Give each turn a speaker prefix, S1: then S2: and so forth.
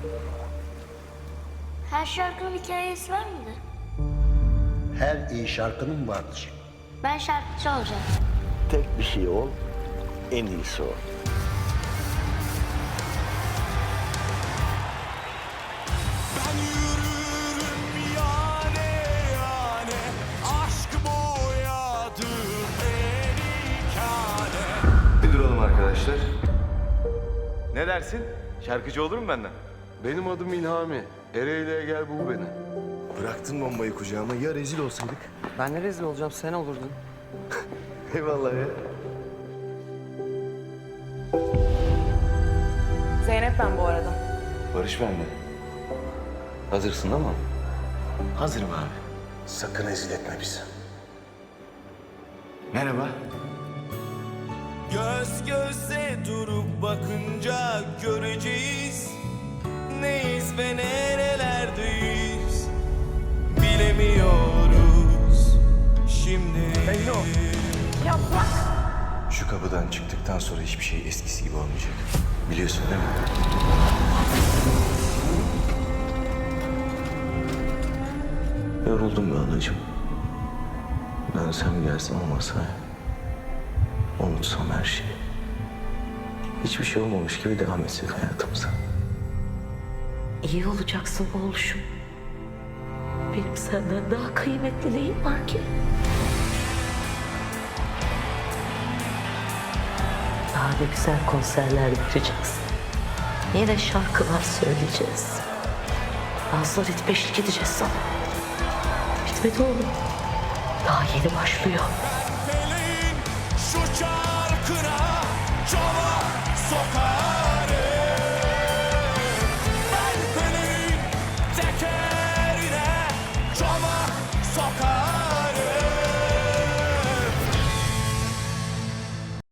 S1: Her şarkının hikayesi var mıdır?
S2: Her iyi şarkının vardır.
S1: Ben şarkıcı olacağım.
S3: Tek bir şey ol, en iyisi ol.
S4: Ben yürürüm yane yane, aşk boyadı melikane.
S5: Bir duralım arkadaşlar. Ne dersin? Şarkıcı olur mu benden?
S6: Benim adım İlhami. Ereğli'ye gel bul beni.
S5: Bıraktın bombayı kucağıma. Ya rezil olsaydık?
S7: Ben ne rezil olacağım, sen olurdun.
S5: Eyvallah ya.
S8: Zeynep ben bu arada.
S5: Barış bende. Hazırsın ama.
S2: Hazırım abi. Sakın ezil etme bizi.
S5: Merhaba.
S4: Göz göze durup bakınca göreceğiz neyiz ve nerelerdeyiz, bilemiyoruz şimdi.
S5: Şu kapıdan çıktıktan sonra hiçbir şey eskisi gibi olmayacak. Biliyorsun değil mi? Yoruldum be anacığım. Dönsem gelsem o masaya. Unutsam her şeyi. Hiçbir şey olmamış gibi devam etsek hayatımıza.
S9: İyi olacaksın oğluşum. Benim senden daha kıymetli neyim var ki? Daha da güzel konserler vereceksin. Yine şarkılar söyleyeceğiz. Nazlı ritme eşlik edeceğiz sana. Bitmedi oğlum. Daha yeni başlıyor.
S4: Pelin şu çarkına çova sokarım. Ben Pelin tekerine çova sokarım.